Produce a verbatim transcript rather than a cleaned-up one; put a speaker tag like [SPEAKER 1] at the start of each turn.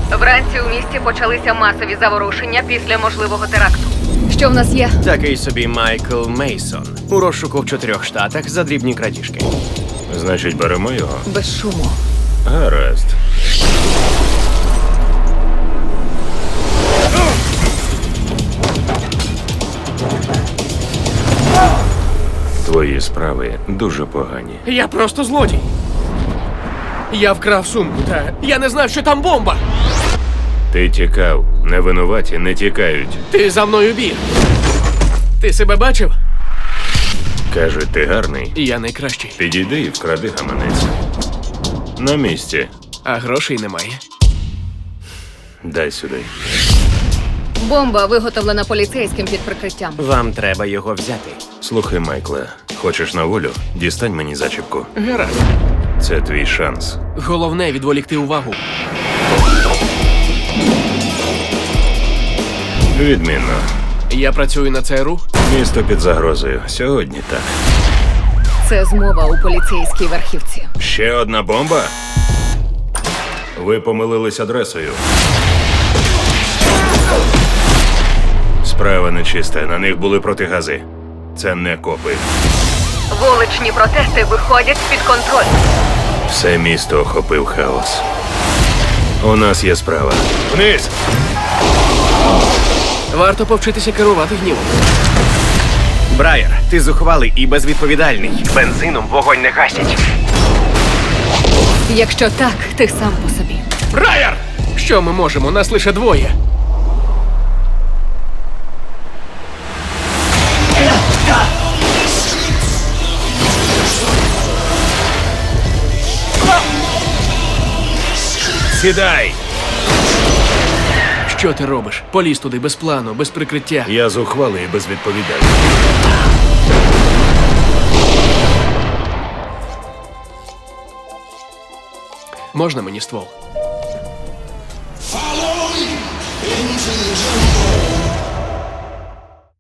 [SPEAKER 1] Вранці у місті почалися масові заворушення після можливого теракту. Що в нас є?
[SPEAKER 2] Такий собі Майкл Мейсон. У розшуку в чотирьох штатах за дрібні крадіжки.
[SPEAKER 3] Значить, беремо його?
[SPEAKER 1] Без шуму.
[SPEAKER 3] Гаразд. Твої справи дуже погані.
[SPEAKER 4] Я просто злодій. Я вкрав сумку, та я не знав, що там бомба.
[SPEAKER 3] Ти тікав. Невинуваті не тікають.
[SPEAKER 4] Ти за мною біг. Ти себе бачив?
[SPEAKER 3] Кажуть, ти гарний.
[SPEAKER 4] І я найкращий.
[SPEAKER 3] Підійди і вкради гаманець. На місці.
[SPEAKER 4] А грошей немає.
[SPEAKER 3] Дай сюди.
[SPEAKER 1] Бомба виготовлена поліцейським під прикриттям.
[SPEAKER 2] Вам треба його взяти.
[SPEAKER 3] Слухай, Майкле, хочеш на волю? Дістань мені зачіпку.
[SPEAKER 4] Гаразд.
[SPEAKER 3] Це твій шанс.
[SPEAKER 4] Головне відволікти увагу.
[SPEAKER 3] Відмінно.
[SPEAKER 4] Я працюю на ЦРУ.
[SPEAKER 3] Місто під загрозою. Сьогодні так.
[SPEAKER 1] Це змова у поліцейській верхівці.
[SPEAKER 3] Ще одна бомба? Ви помилились адресою. Справа нечиста. На них були протигази. Це не копи.
[SPEAKER 1] Вуличні протести виходять з-під контролю.
[SPEAKER 3] Все місто охопив хаос. У нас є справа. Вниз!
[SPEAKER 4] Варто повчитися керувати гнівом.
[SPEAKER 2] Брайер, ти зухвалий і безвідповідальний. Бензином вогонь не гасять.
[SPEAKER 1] Якщо так, ти сам по собі.
[SPEAKER 4] Брайер! Що ми можемо? Нас лише двоє.
[SPEAKER 3] Сідай!
[SPEAKER 4] Що ти робиш? Поліз туди без плану, без прикриття.
[SPEAKER 3] Я зухвалий і безвідповідальний.
[SPEAKER 4] Можна мені ствол?
[SPEAKER 5] Follow me into the jungle.